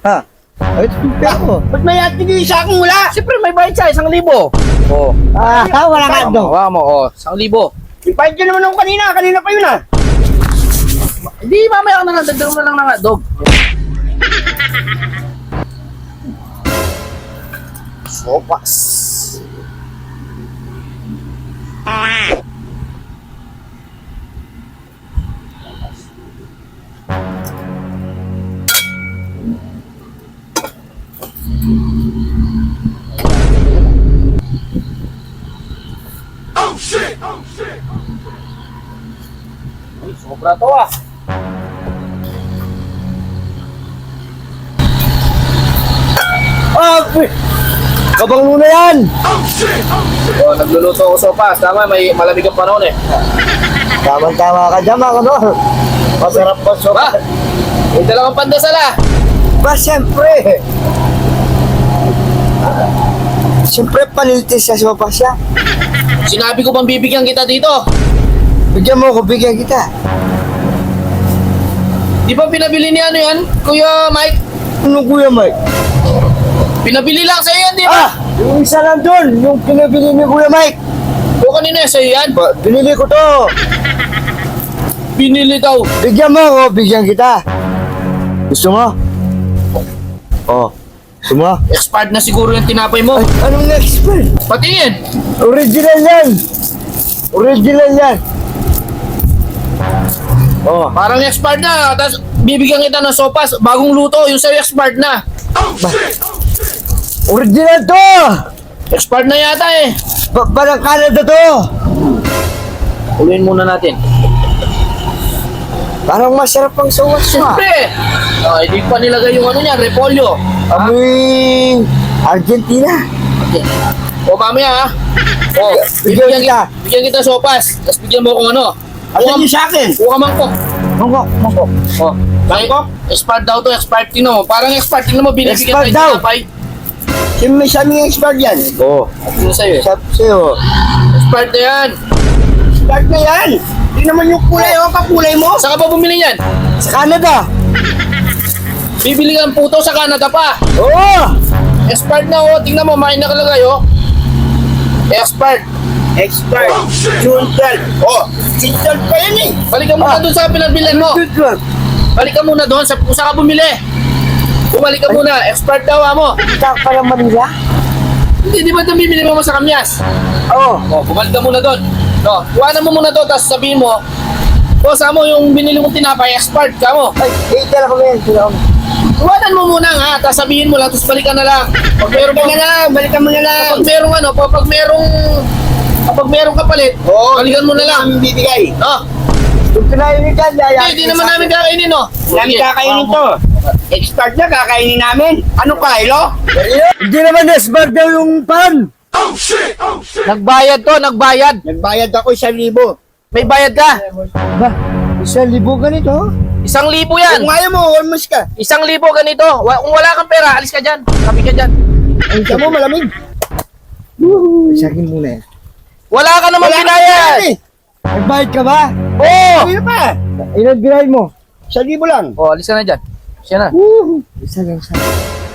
Ha? Ay, ito yung pera ko. Ba't may ating isa akong wala? Siyempre may bayad siya, 1,000. Oh. Wala ka doon. Hawa mo, oh, 1,000. Yung bayad ko naman ako kanina. Kanina pa yun ah. Hindi, mamaya ka na lang, dagdag mo na lang ng hotdog. Sopas. Uy, sobra to ah. Kabang muna yan. Oh, nagluluto ako sopas. Tama, may malamig ang panahon eh. Tama-tama ka dyan, mga ano. Masarap pa Ba, sopas. may dalawang pandasal ah. Ba, siyempre. Siyempre, panilitis sa sopas siya. Sinabi ko bang bibigyan kita dito? Bigyan mo ko, bigyan kita. Di ba pinabili ni ano yan, Kuya Mike? Ano, Kuya Mike? Pinabili lang sa'yo yan, di ba? Yung isa lang doon, yung pinabili ni Kuya Mike. O kanina sa'yo yan? Binili ko to. Binili daw. Bigyan mo ako, bigyan kita. Gusto mo? Oh, gusto mo? Expired na siguro yung tinapay mo. Ay, anong expert? Patingin. Original yan. Original yan. Oh, Parang expired na. Tapos bibigyan kita ng sopas. Bagong luto. Yung sa'yo expired na. original to. Expired na yata eh. Parang Canada to. Ulihin muna natin. Parang masarap ang sawas mo. Siyempre. Hindi pa nilagay yung ano niya, repolyo. Amoy Argentina. Okay. O mamaya ha. O, Bigyan kita. bigyan kita sopas. Tapos bigyan mo kung ano. Asan yung sa akin? Kuha mangkok. Mangkok, mangkok. O, mangkok. Expired daw to, expired. Tingnan mo. Parang expired. Tingnan mo, binibigyan Expired tayo daw. ng tinapay. Sino may saming expert yan? Oh, Tingnan sa'yo eh. sabi sa'yo. Expired na yan. Start na yan. Hindi naman yung kulay o kakulay mo. Saan ka pa bumili yan? Sa Canada. Bibili ka ng puto sa Canada pa. Oo. Expired na oh. Tingnan mo, may nakalagay oh. Expired. Expert. June 12. Oh, June 12 pa yan eh. Balik ka muna doon sa pinagbilan mo. Good. Balik ka muna doon sa kung saan ka bumili. Bumalik ka muna. Expired daw mo. Kita ka ng Manila? Hindi, di ba ito bibili mo sa Kamyas? Oo. O, bumalik ka muna doon. No, kuhanan mo muna doon, tapos sabihin mo, boss, mo yung binili mong tinapay, expired ka mo. Ay, tala ko yan. Kuhanan mo muna nga, tapos sabihin mo lang, tapos balikan na lang. Pag meron Balikan na lang, balikan mo na lang. Kapag merong ano, kapag merong kapalit, Oo, balikan mo na lang. Ang bibigay. No? Kung kinainin ka, yaya. Hindi naman namin kakainin, no? Namin kakainin to. Expert na, kakainin namin. Anong kailo? Hindi naman esbar daw yung pan. Nagbayad to, nagbayad. Nagbayad ako 1,000. May bayad ka. Ba, 1,000 ganito? 1,000 Kung yan. ayaw mo, almost ka. 1,000 ganito. Kung wala kang pera, alis ka dyan. Sabi ka dyan. Ay, siya mo, malamig. Sa akin muna yan. Wala ka naman binayad. Nagbayad ka ba? Oo. Ano pa? Ilan binayad mo? 1,000 lang. Oh, alis ka na dyan. Siya na. Isa lang sa...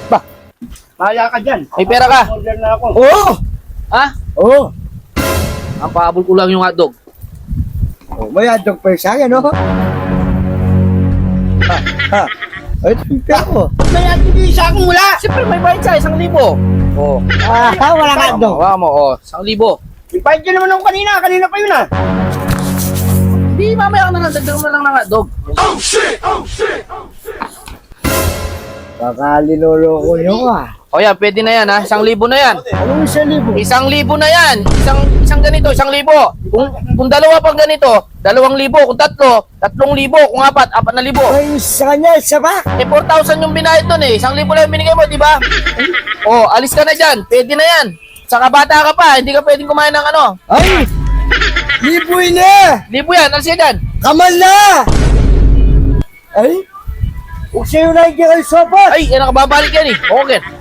Kaya ka dyan. May pera ka. Order na ako. Oo! Ha? Oo! Ang pahabol ko lang yung hotdog. Oh, may hotdog pa sa akin, no? Ha? Ay, ito yung pera ko. Ba't may ating isa akong wala? Siyempre may bayad siya, 1,000. Oh. Wala ka hotdog. Hawa mo, oh. 1,000. Yung bayad ko naman ako kanina. Kanina pa yun ah. Hindi, mamaya ka na lang. Dagdag mo na lang ng hotdog. Baka linuloko nyo ka. O yan, pwede na yan ha. 1,000 na yan. Anong 1,000? 1,000 na yan. Isang ganito, 1,000. Kung dalawa pang ganito, 2,000. Kung tatlo, 3,000. Kung apat, 4,000. Ay, sa kanya, isa ba? 4,000 yung binayad doon eh. 1,000 lang yung binigay mo, di ba? Oh, alis ka na dyan. Pwede na yan. Saka bata ka pa, hindi ka pwedeng kumain ng ano. Ay! Liboy na! 1,000 yan, alis ka dyan. Kamal na! Ay! Huwag sa'yo na kayo sopas! Ay, yan nakababalik yan eh. Okay.